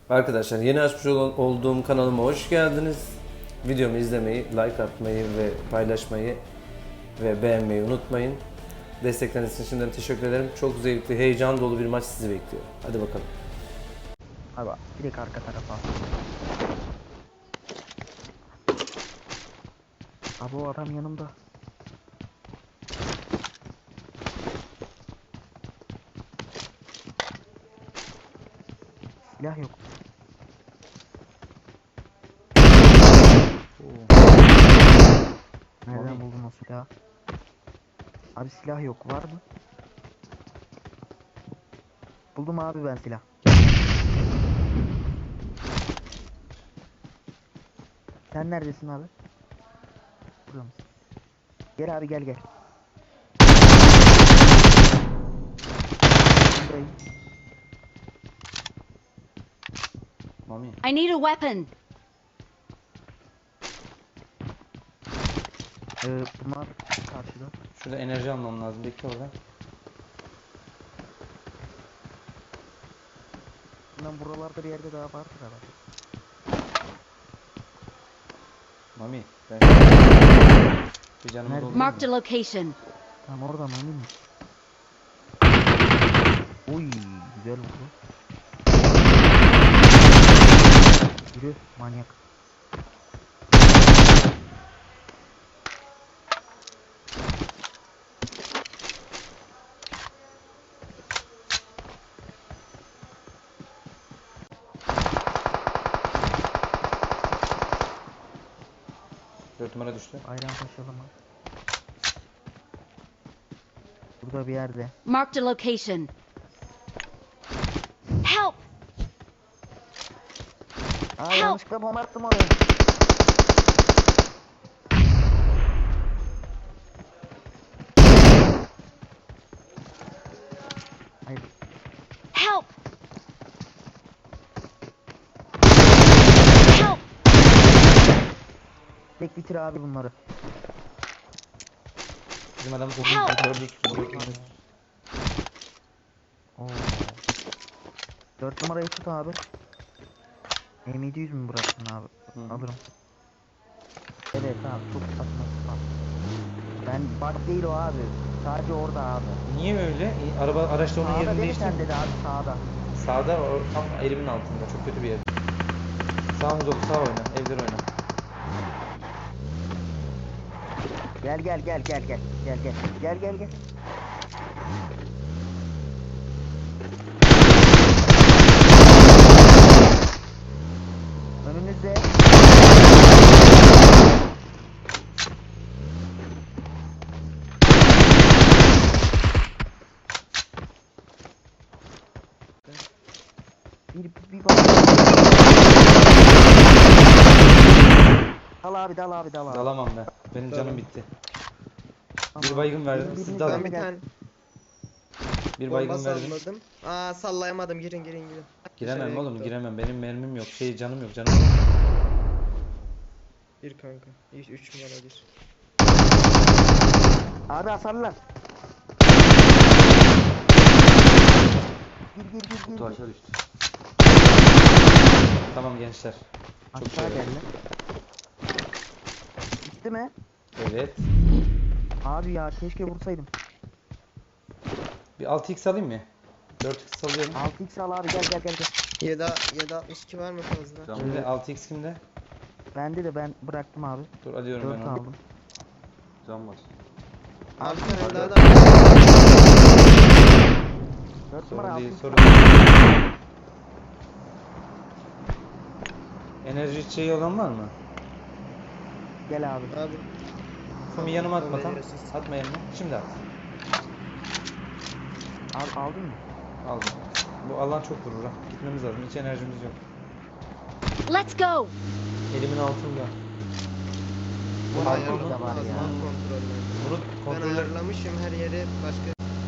Arkadaşlar yeni açmış olduğum kanalıma hoş geldiniz. Videomu izlemeyi, like atmayı ve paylaşmayı ve beğenmeyi unutmayın. Destekleriniz için şimdiden teşekkür ederim. Çok zevkli, heyecan dolu bir maç sizi bekliyor. Hadi bakalım. Abi direkt arka tarafa. Abi o adam yanımda. Silah yok. Nereden buldun o silahı? Abi silah yok, var mı? Buldum abi ben silah. Sen neredesin abi? Burada mısın? Gel abi, gel. Buradayım. Mami. I need a weapon. Bunlar karşıda. Şurada enerji almam lazım. Bekle orada. Bundan buralarda bir yerde daha vardır herhalde. Mami. Ben... Bir canımı Nerede? doldurayım Marked mı? a location. Tamam, oradan emin mi? Oy, güzel oldu. Yürü manyak. Dört numara düştü. Ayran taşıyalım abi. Burada bir yerde. Marked a location. Help! Aa, Help! yanlışlıkla bomba attım oraya. Hayır. Help! Help! Tek bitir abi bunları. Bizim adamı Help! gördük. Oo. 4 numarayı tut abi. M700 mü bıraktın abi? Hı. Alırım. Evet abi, çok saçma sapan. Ben bak değil o abi. Sadece orada abi. Niye öyle? Araçta onun Sağda yerini değil mi değişti. sen dedi abi, sağda. Sağda o tam elimin altında. Çok kötü bir yer. Sağımız dolu. Sağ oyna. Evler oyna. Gel. Önünüzde. Bir bak. Dal abi. Dalamam ben. Benim canım bitti. Tamam. Bir baygın verdim. Biriniz Siz daha dalın. Ben bir tane Bir bomba baygın verdim. salladım. Aa, sallayamadım. Girin. Giremem Dışarıya oğlum, gitti o. giremem. Benim mermim yok. Canım yok. Canım yok. Bir kanka. 3 numara bir. Abi hasarlar. Gir. Kutu aşağı düştü. Tamam gençler. Çok Aşağı iyi. geldi. Gitti mi? Evet. Abi ya, keşke vursaydım. Bir 6x alayım mı? 4x salıyorum. 6x al abi, gel. 762 var mı fazla? Kimde? 6x kimde? Bende de, ben bıraktım abi. Dur alıyorum 4 ben onu. aldım. Can var. Abi bir tane daha da 4 numara Sorun değil, 6x sorun al. değil. Enerji içeceği olan var mı? Gel abi. Abi. Fumi yanıma atma Tamam, tam. veriyorsun. Atma yanıma. Şimdi at. Abi aldın mı? Aldım. Bu alan çok vurur ha. Gitmemiz lazım. Hiç enerjimiz yok. Let's go! Elimin altında. Bu Pardon, altında mu? da var ya. Kontroller. Bunu Ben kontroller... ayarlamışım her yeri başka.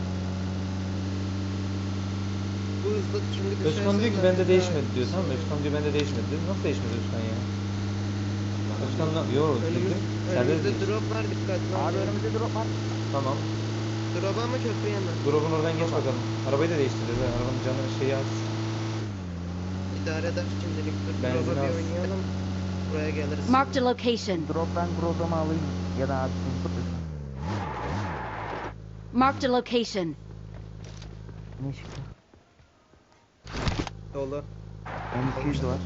Bu hızlı çünkü Özkan diyor ki düşersen bende daha- değişmedi diyor, tamam mı? Özkan diyor bende değişmedi diyor. Nasıl değişmedi Özkan ya? Özkan'la... Yok Önümüz, girdim. Serbest önümüzde değiş. drop var, dikkatli ol. Abi önümüzde drop var. Tamam. Drop'a mı köprüye mi? Drop'un oradan geç bakalım. Arabayı da değiştireceğiz ha. Arabanın canı şeyi az. Bir idare eder şimdilik. Dur Benzin drop'a bir az. oynayalım. Buraya geliriz. Marked a location. Drop'tan Groza'mı alayım ya da abi sen tut. Marked a location. Ne çıktı? Dolu. M200 var.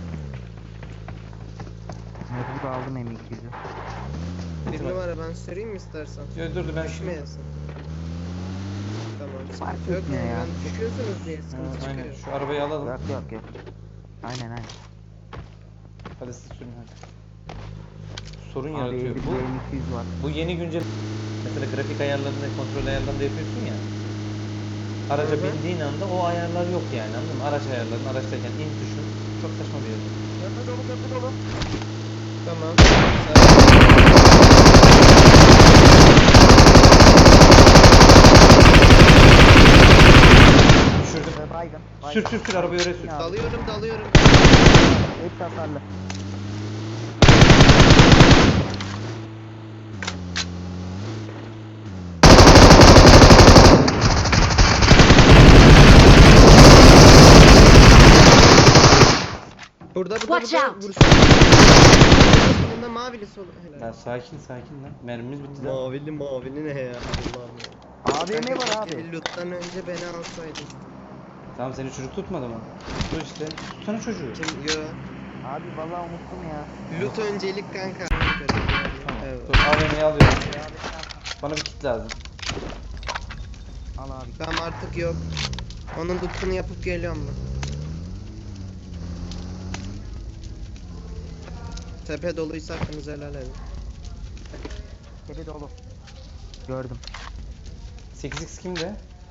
Mecbur aldım M200'ü. Bir numara ben süreyim mi istersen? Yo, dur ben Düşmeyesin. Tamam Fark sıkıntı yok etmiyor yani ya. ben düşüyorsunuz diye sıkıntı Ha, aynen çıkıyor. şu arabayı alalım. Yok yok yok. Aynen aynen. Hadi siz sürün hadi. Sorun Abi yaratıyor. elimde M200 var. Bu yeni güncel mesela grafik ayarlarında, kontrol ayarlarında yapıyorsun ya. Araca Hı hı. bindiğin anda o ayarlar yok yani, anladın mı? Araç ayarlarının araçtayken in tuşun çok saçma bir yer. Köprü dolu köprü dolu. Tamam. Düşürdüm. Baygın. Sür sür sür arabayı oraya sür. Ya. Dalıyorum. Hepsi hasarlı. Burada Watch out. vursun. Bunda mavili sol. Ya sakin lan. Mermimiz bitti lan. Mavili ne ya? Allah'ım ya. AVM var abi. Loot'tan önce beni alsaydın. Tamam seni çocuk tutmadı mı? Dur işte. Tutsana çocuğu. Kim? Yo. Abi vallahi unuttum ya. Loot öncelik kanka. Tamam. Evet. Dur AVM'yi alıyorum. Bana bir kit lazım. Al abi. Tamam artık yok. Onun loot'unu yapıp geliyorum ben. Tepe doluysa hakkınızı helal edin. Tepe dolu. Gördüm. 8x kimde?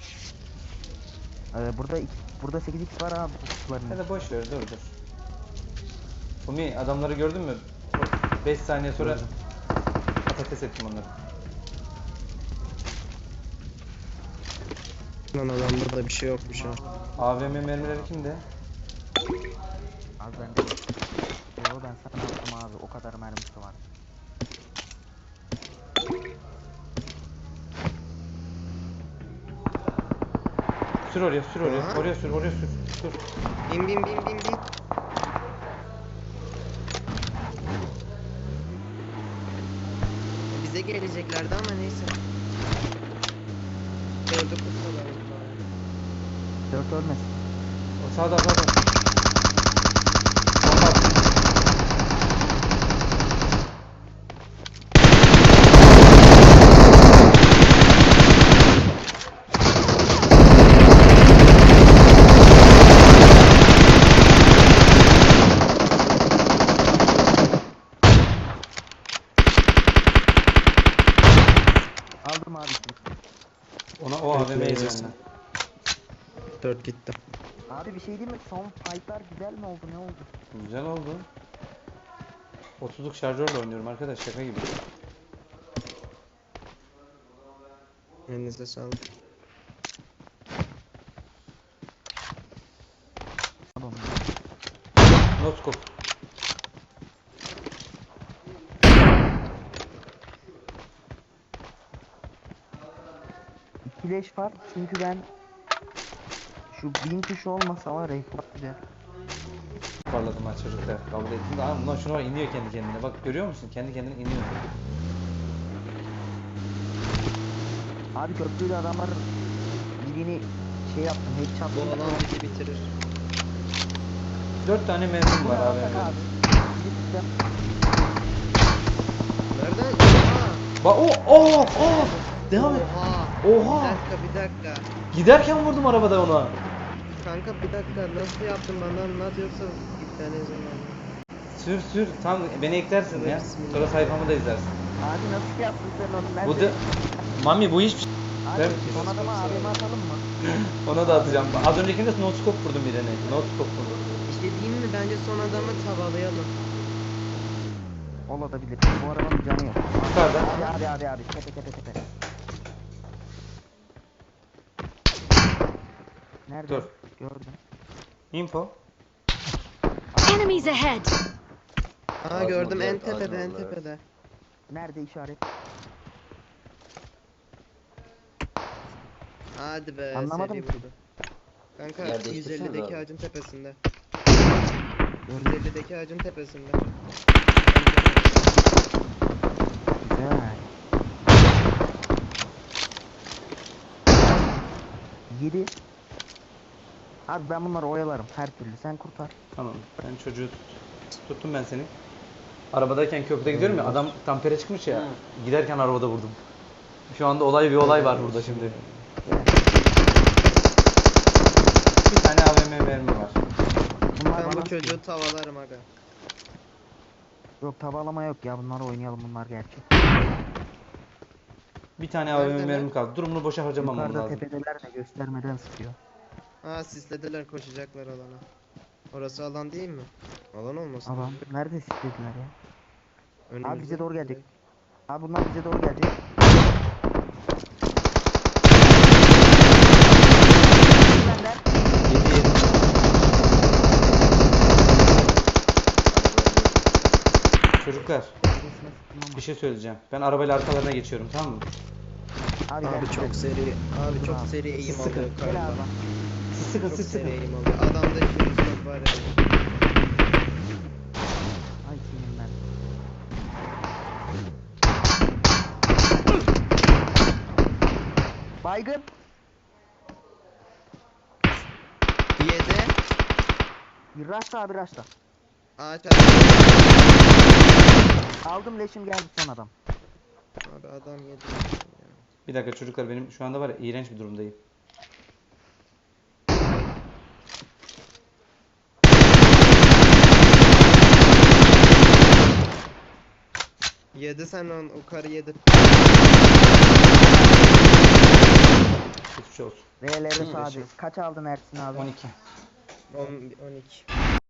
Burada 8x var abi kutuların. Hadi boş ver dur. Umi adamları gördün mü? 5 saniye sonra Gördüm. patates ettim onları. Lan adamda da bir şey yokmuş ha. AVM mermileri kimde? Abi bende. Yo ben sana attım abi o kadar mermisi var. Sür oraya. Aha. Oraya sür. Dur. Bin. Bize geleceklerdi ama neyse. Gördük kurtulamadık bari. 4 ölmesin. O sağda. Bomba at. Aldım abi. O AVM'yi Bekleyebilirsin. benden. 4 gitti. Abi bir şey diyeyim mi? Son fightlar güzel mi oldu ne oldu? Güzel oldu. 30'luk şarjörle oynuyorum arkadaş, şaka gibi. Elinize sağlık. Tamam. Noskop. İkileş var çünkü ben şu bin tuşu olmasa var ya çok güzel. Parladım ha çocuklar. Kabul ettim de bundan şuna var, iniyor kendi kendine. Bak görüyor musun? Kendi kendine iniyor. Abi köprüde adamlar birini şey yaptım headshot. Bu alan bizi bitirir. 4 tane mermim var abi. Abi. Gittim. Nereden? Oha! Bak devam et. Oha! Oha! Bir dakika. Giderken vurdum arabada ona. Kanka bir dakika nasıl yaptın bana anlat yoksa iptal zaman. Sür. Tam beni eklersin ya. Sonra sayfamı da izlersin. Abi nasıl yaptın sen onu? Ben Bu da de... Mami bu hiçbir şey. Abi Ben- son adama AVM atalım mı? Ona da atacağım. Az öncekinde noskop vurdum birine. Noskop vurdum. İşte diyeyim mi bence son adamı tavalayalım. Olabilir. Bu arabanın canı yok. Yukarıda. Abi. Tepe. Nerede? Dur. Gördüm. Info. Enemies ahead! Aa gördüm en tepede. Nerede işaret? Hadi be Anlamadım seri ki. vurdu. Kanka Yer değiştirsene 150'deki abi. ağacın tepesinde. 150'deki ağacın tepesinde. Güzel. 7. Abi ben bunları oyalarım her türlü. Sen kurtar. Tamam. Ben çocuğu tuttum ben seni. Arabadayken köprüde gidiyorum ya, adam tampere çıkmış ya. Giderken arabada vurdum. Şu anda bir olay var burada şimdi. Bir tane AVM mermi var. Bunlar Ben bana bu çocuğu tavalarım aga. Yok tavalama yok ya, bunları oynayalım, bunlar gerçek. Bir tane AVM Neredeler? mermi kaldı. Durumunu boşa harcamamam Yukarıda lazım. tepedeler de göstermeden sıkıyor. Ha sislediler, koşacaklar alana. Orası alan değil mi? Alan olmasın. Adam nerede siklediler ya? Önümüzde. Abi bize doğru gelecek. Abi bunlar bize doğru gelecek. Benden. 7-7. Çocuklar, bir şey söyleyeceğim. Ben arabayla arkalarına geçiyorum, tamam mı? Abi, Abi çok seri. Abi çok seri eğim Sıkın. alıyor Gel kardan. abi. Siz sıkın, Çok siz seri sıkın. eğim alıyor. Adamda işimiz yok var ya. Ay senin ben. Baygın. 7. Bir raşla abi, raşla. Ağaç Aldım, leşim geldi son adam. Abi adam 7. Bir dakika çocuklar, benim şu anda var ya, iğrenç bir durumdayım. Yedi sen o karı yedi. Hiçbir şey olsun. V'leri sağdı. Kaç aldın Ersin abi? 12. 12.